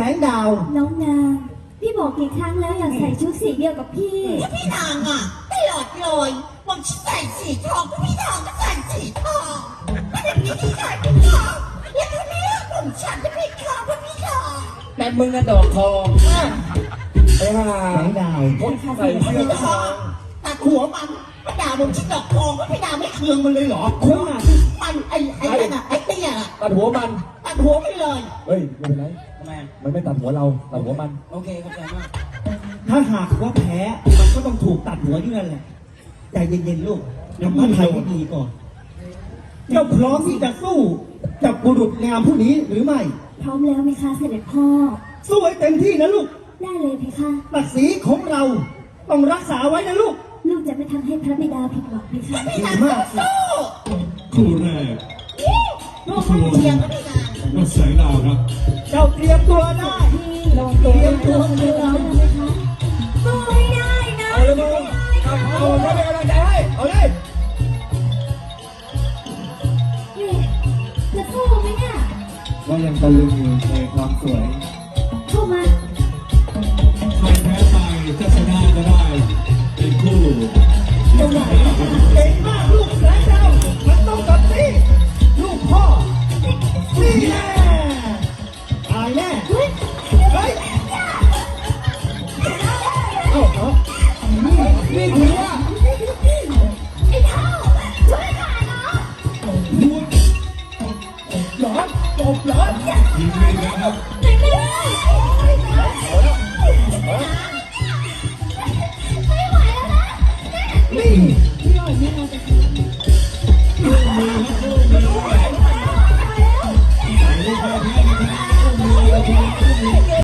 งดาวน้องนางพี่บอกกี่ครั้งแล้วอยากใส่ชุดสีเดียวกับพี่พี่นางอ่ะตลอดเลยผมใส่สีทองพี่นางก็ใส่สีทองไม่ได้มีที่ใส่เป็นทองแล้วทีนี้ผมฉันจะเป็นทองพี่ทองแต่มึงน่ะดอกทองไอ้ห่าแสงดาวคนใส่เสื้อทองตัดหัวมันมาด่าผมชิ้นดอกทองก็พี่ดาไม่เคืองมันเลยเหรอคุณอ่ะมันไอ้นั่นอ่ะไอ้เตี้ยตัดหัวมันตัดหัวไปเลยเฮ้ยไม่เป็นไรทำไมมันไม่ตัดหัวเราตัดหัวมันโอเคเข้าใจมากถ้าหากว่าแพ้มันก็ต้องถูกตัดหัวอยู่นั่นแหละใจเย็นๆลูกทำพระไทยให้ดีก่อนเจ้าพร้อมที่จะสู้กับบุรุษงามผู้นี้หรือไม่พร้อมแล้วไหมคะเสด็จพ่อสู้ให้เต็มที่นะลูกได้เลยเพคะศักดิ์ศรีของเราต้องรักษาไว้นะลูกลูกจะไม่ทำให้พระบิดาผิดหวังเพคะดีมากคู่แรกลูกมันเทียงก็ไม่นานก็แสงดาวครับเจ้าเตรียมตัวได้ลงตัวเตรียมตัวไหมคะสู้ให้ได้นะเอาเลยมึงเอาเลยเป็นกำลังใจให้เอาเลยจะสู้ไหมเนี่ยก็ยังตะลึงอยู่ในความสวยเข้ามาใครแพ้ไปจะชนะก็ได้เป็นคู่เก่งมากลูกแสงดาวมันต้องกับนี่ลูกพ่อนี่แน่ตายแน่เฮ้ยนี่ถือว่าไอ้เท่าช่วยข้าเนาะหลอนจบหลอนทีมนี้นะครับ